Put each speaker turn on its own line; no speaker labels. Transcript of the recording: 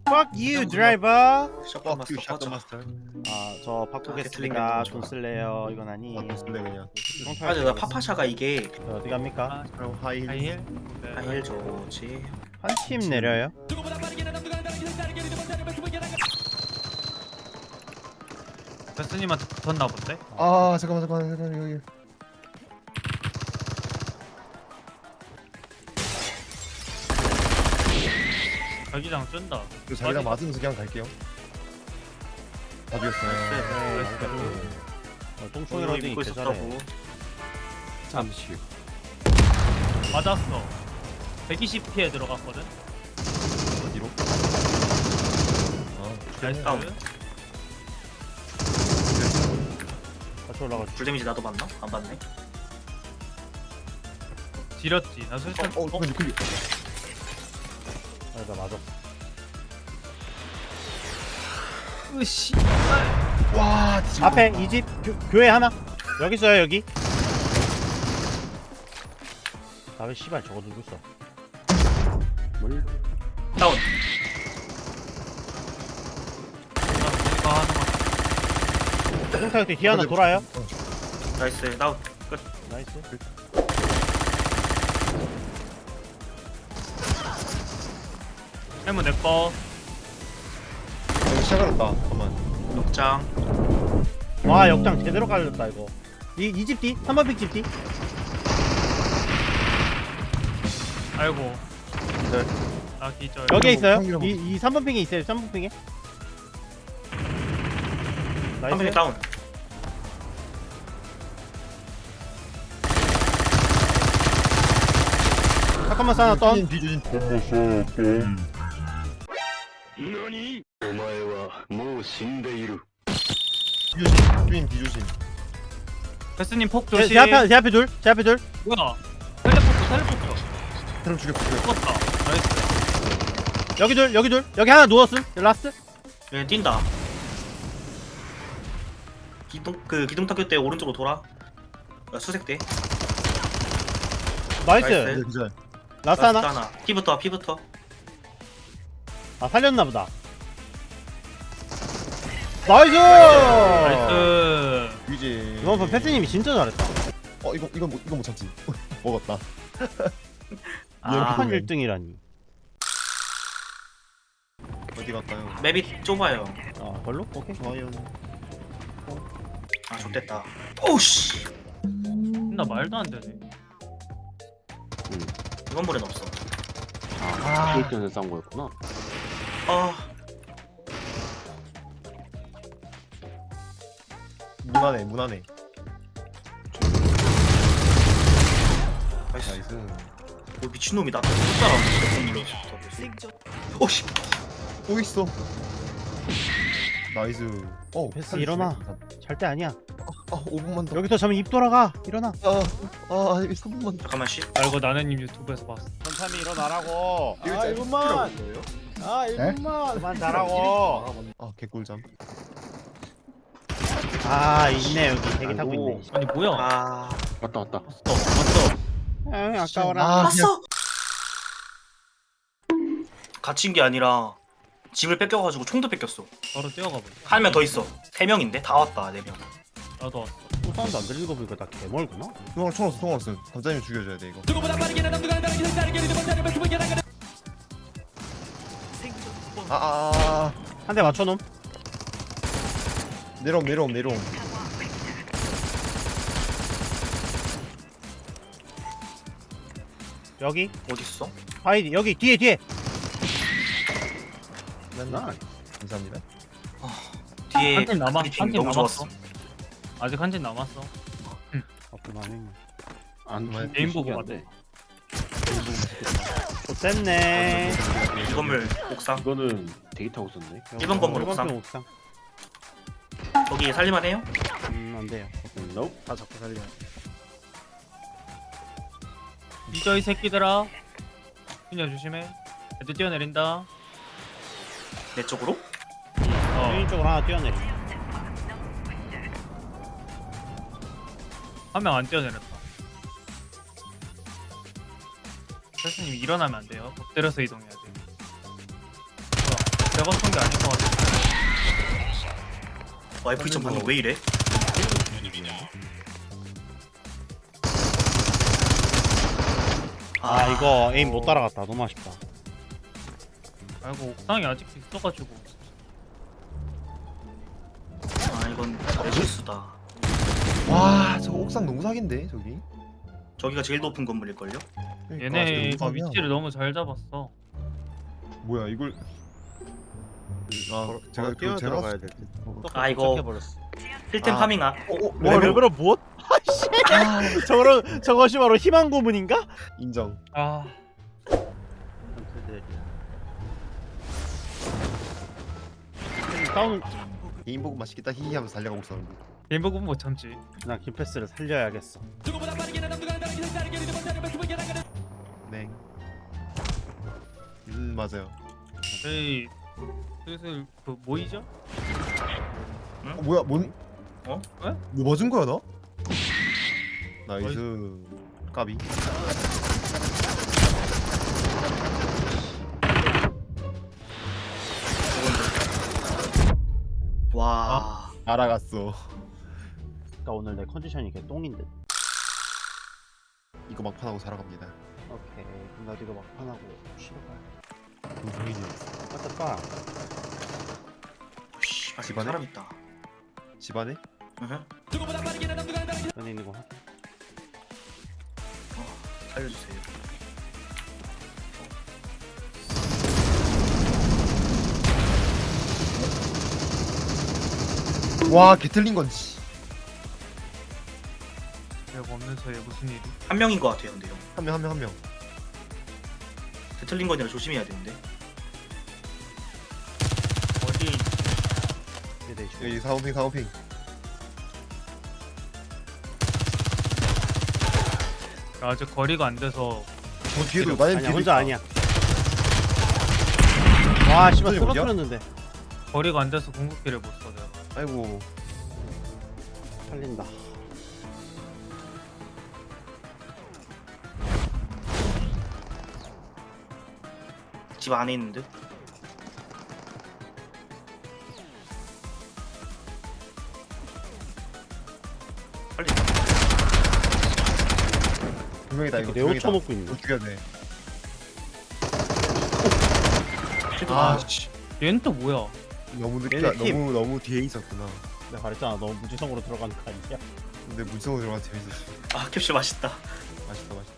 Fuck you, driver.
샷건 마스터
샷건
꺼져.
마스터.
저 바꾸겠습니다. 돈 쓸래요. 이건 아니.
쓸래 그냥.
맞아, 나 파파샤가 이게
어디 갑니까?
그럼 하이.
하이힐?
하일 좋지.
한 팀 내려요.
베스님한테 붙었나 본데?
아 잠깐만 여기.
자기장 쩐다.
그 자기랑 맞으면서 그냥 갈게요. 답이었어요.
똥총이로 어디
믿고
있대 잘해.
있었다고.
잠시.
맞았어. 120피에 들어갔거든?
어디로?
나이스.
다운.
같이 올라가.
불 데미지 나도 봤나? 안 봤네.
지렸지. 나 술탄.
근데 그
나 맞아.
으씨.
와, 지금
앞에 이 집 교회 하나. 여기 있어요 여기. 아왜 씨발 저거 누구 있어?
다운.
내가 하는 거.
똥타격 때 뒤에 하나 돌아요.
나이스. 다운. 끝.
나이스.
해무 내꺼.
시작하렸다. 잠깐만.
역장.
와 역장 제대로 깔렸다 이거. 이 집 뒤? 3번 픽집 뒤?
아이고.
네.
나 기절.
여기에 있어요.
평균
이 3번 핑에 있어요. 3번 핑에.
한 명이
나이스.
다운.
잠깐만 싸나 떤.
뒤주진.
何お前はもう死んでいる
뒤주진. 뒤주진.
베스님 폭
제,
조심.
제 앞에 둘. 제 앞에 둘.
뭐야? 텔레포트.
사람 죽였어.
죽었다. 나이스.
여기 둘. 여기 둘. 여기 하나 누웠음. 라스트.
얘 뛴다. 기둥 타격 때 오른쪽으로 돌아. 수색대.
나이스.
나이스.
기절.
라스트 하나.
하나. 피부터.
아 살렸나 보다. 나이스.
나이스.
뒤지.
이번 판 패스님이 진짜 잘했다.
이건 못 참지. 먹었다.
아,
한 1등이라니.
어디 갈까요?
맵이 좁아요.
아 별로? 오케이.
좋아요.
아, 좋됐다. 오우씨.
나 말도 안 되네.
이건 볼엔 없어.
게이트에서 싸운 거였구나.
아,
문 안에.
나이스.
나이스.
오, 미친놈이다. 못 오씨.
또 있어. 나이스.
패스 일어나. 잘 때 아니야.
5분만 더.
여기서 자면 입 돌아가. 일어나.
3분만 더.
잠깐만 씨.
알고 나는님 유튜브에서 봤어.
천삼이 일어나라고.
이거 진짜 필요 없는 거예요?
아 1분만. 그만 자라고.
개꿀잠.
아 있네 여기 대기 타고 있네.
아니 뭐야?
아,
왔다.
맞어.
아 아까워라.
왔어. 갇힌 게 아니라 집을 뺏겨가지고 총도 뺏겼어.
바로 뛰어가 버려.
한 명 더 있어. 3명인데 다 왔다. 4명.
나도 왔어.
또 사운드 안 들리는 거 보니까 다 개멀구나.
총 없어. 감자님 죽여줘야 돼 이거.
한 대 맞춰놓음.
내려옴.
여기
어딨어?
아이디 여기 뒤에.
맨날. 감사합니다.
뒤에
한 팀 남아.
브리핑
한 팀
너무
남았어.
좋았어.
아직 한 팀 남았어.
그만해.
안
게임 보고 왔다.
좋댔네.
이 건물 옥상.
이거는 대기 타고 썼네.
일번 건물
일번
옥상.
건 옥상.
거기 살릴만 해요?
안 돼요.
노.
다 잡고 살려.
잊어 이 새끼들아. 그냥 조심해. 애들 뛰어내린다.
내 쪽으로?
메인 쪽으로 하나 뛰어내리.
한 명 안 뛰어내렸다. 선생님 일어나면 안 돼요. 엎드려서 이동해야 돼. 내가 쏜 게 아닌 것 같아.
와 F2점 방금 왜 이래?
아 이거 에임 못 따라갔다. 너무 아쉽다.
아이고 옥상이 아직도 있어가지고.
아 이건 내 실수다.
와 저거 옥상 너무 사기인데 저기.
저기가 제일 높은 건물일걸요?
그러니까,
얘네
저거
그
너무
위치를 너무 잘 잡았어.
사기야. 뭐야 이걸. 아 제가
뛰어
제가
들어가야 될 듯.
아, 이거-
해버렸어.
필템
아.
파밍아.
와 레벨업 무엇? 아씨. 저것이 바로 희망 고문인가?
인정.
아
다운.
개인 보고 맛있겠다 히히 하면서 달려가고 있었는데.
게임복은 못 참지.
나 김패스를 살려야겠어.
네. 맞아요.
저희 슬슬 그 모이죠?
뭐야 뭔?
어?
에?
뭐 맞은 거야 나? 나이스. 까비.
와.
알아갔어.
그러니까 오늘 내 컨디션이 개 똥인데.
이거 막판하고 살아갑니다.
오케이. 그럼 나도 이거 막판하고 쉬러 가.
동성이지.
빠따빠.
씨, 아
집안에?
사람 있다.
집안에?
으흠.
안에 있는 거 확인.
살려주세요.
와 개틀린 건지.
내가 없는 사이에 무슨 일이?
한 명인 것 같아요, 근데요.
한 명.
틀린 거니라 조심해야 되는데.
어디?
여기 사오핑.
아직 거리가 안 돼서
뒤에도 나는
아니야
뒤에도
혼자
있다.
아니야. 와 씨발
어디야?
쓰러뜨렸는데
거리가 안 돼서 궁극기를 못 써. 내가.
아이고.
살린다.
집 안에 있는 듯. 빨리.
분명이다 이거.
네오
분명이다.
쳐먹고 있네.
이거 죽여야 돼.
아 씨. 얘는 또 뭐야?
너무 늦게
얘네 팀.
너무 뒤에 있었구나.
내가 말했잖아. 너무 무지성으로 들어가는 거 아니야?
근데 물성으로 들어가 재밌었어.
아 캡슐 맛있다.
맛있다.